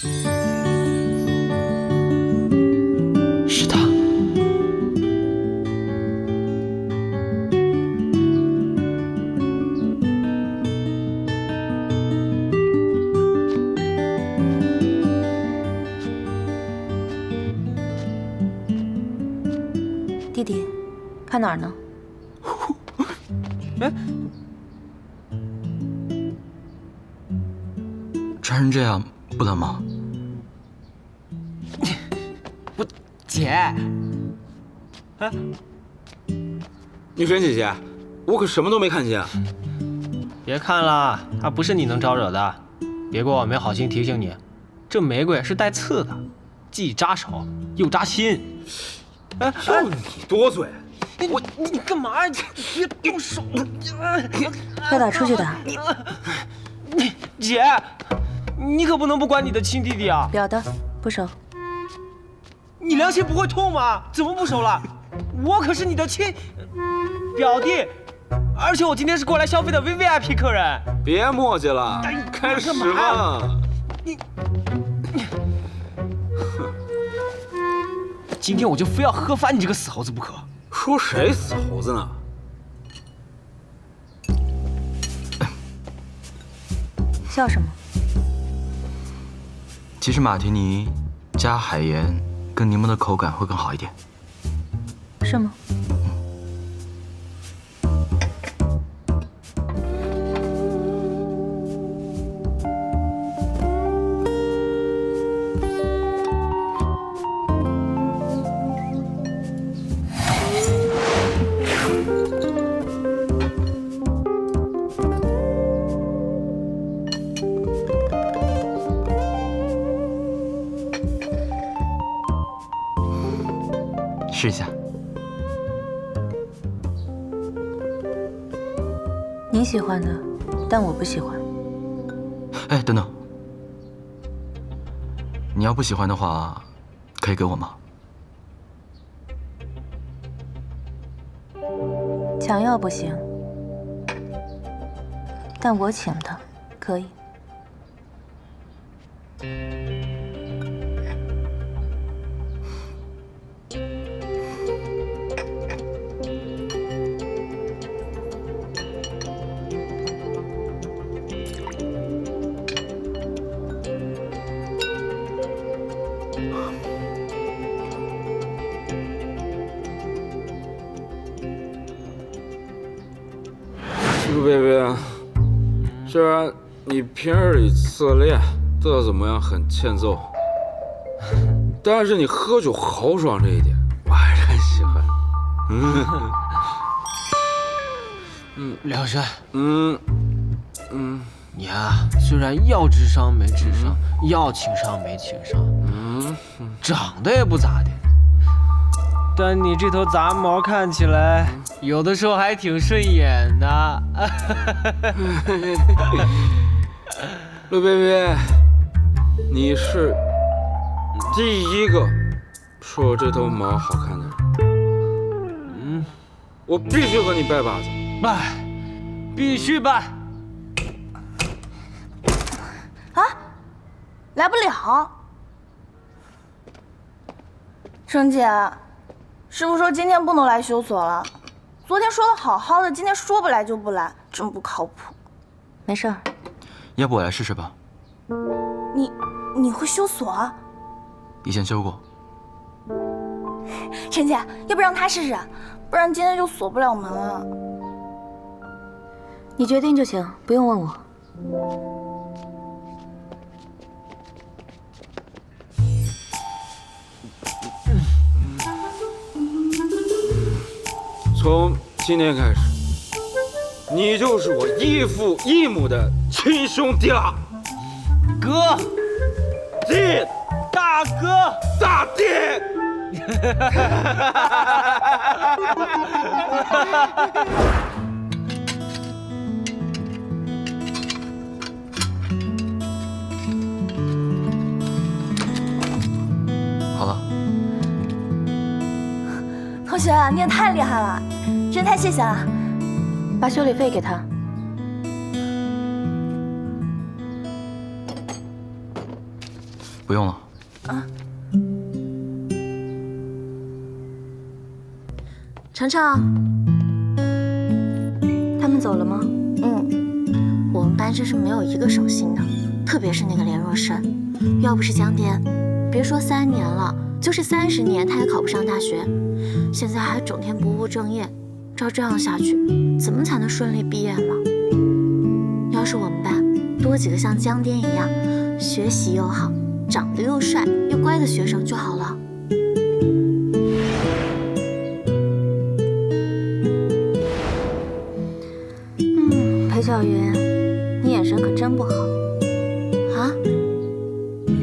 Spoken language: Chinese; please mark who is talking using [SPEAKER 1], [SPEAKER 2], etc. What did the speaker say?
[SPEAKER 1] 是他。
[SPEAKER 2] 弟弟，看哪儿呢？
[SPEAKER 1] 哎，穿成这样不冷吗？
[SPEAKER 3] 姐，哎，
[SPEAKER 4] 女神姐姐，我可什么都没看见。
[SPEAKER 3] 别看了，他不是你能招惹的。别怪我没好心提醒你，这玫瑰是带刺的，既扎手又扎心。
[SPEAKER 4] 就你多嘴！
[SPEAKER 3] 你干嘛呀？别动手！
[SPEAKER 2] 要打出去打。
[SPEAKER 3] 姐，你可不能不管你的亲弟弟啊！
[SPEAKER 2] 表的，不收。
[SPEAKER 3] 你良心不会痛吗？怎么不收了？我可是你的亲表弟，而且我今天是过来消费的 VVIP 客人。
[SPEAKER 4] 别磨叽了，开始吧。
[SPEAKER 3] 今天我就非要喝翻你这个死猴子不可！
[SPEAKER 4] 说谁死猴子呢？
[SPEAKER 2] 笑什么？
[SPEAKER 1] 其实马提尼加海盐跟柠檬的口感会更好一点。
[SPEAKER 2] 是吗？
[SPEAKER 1] 试一下。
[SPEAKER 2] 你喜欢的，但我不喜欢。
[SPEAKER 1] 哎，等等，你要不喜欢的话，可以给我吗？
[SPEAKER 2] 想要不行，但我请的可以。
[SPEAKER 4] 陆贝贝，虽然你平日里自恋，对我怎么样很欠揍，但是你喝酒豪爽这一点，我还是很喜欢。
[SPEAKER 3] 梁山，你啊，虽然要智商没智商，要情商没情商，长得也不咋的，但你这头杂毛看起来，有的时候还挺顺眼的。
[SPEAKER 4] 陆贝贝，你是第一个说我这头毛好看的人。我必须和你拜把子。
[SPEAKER 3] 拜，必须拜。
[SPEAKER 5] 啊，来不了。程姐，师傅说今天不能来修所了。昨天说的好好的，今天说不来就不来，真不靠谱。
[SPEAKER 2] 没事儿。
[SPEAKER 1] 要不我来试试吧？
[SPEAKER 5] 你会修锁？
[SPEAKER 1] 以前修过。
[SPEAKER 5] 陈姐，要不让他试试，不然今天就锁不了门了。
[SPEAKER 2] 你决定就行，不用问我。
[SPEAKER 4] 从今天开始，你就是我异父异母的亲兄弟了。
[SPEAKER 3] 哥，
[SPEAKER 4] 弟，
[SPEAKER 3] 大哥，
[SPEAKER 4] 大弟。
[SPEAKER 1] 好了。
[SPEAKER 5] 同学，你也太厉害了，真太谢谢了。
[SPEAKER 2] 把修理费给他。
[SPEAKER 1] 不用了。
[SPEAKER 2] 程程，他们走了吗？
[SPEAKER 6] 我们班真是没有一个省心的，特别是那个连若深，要不是江颠，别说3年了，就是30年他也考不上大学。现在还整天不务正业，照这样下去，怎么才能顺利毕业嘛？要是我们班多几个像江颠一样，学习又好、长得又帅又乖的学生就好了。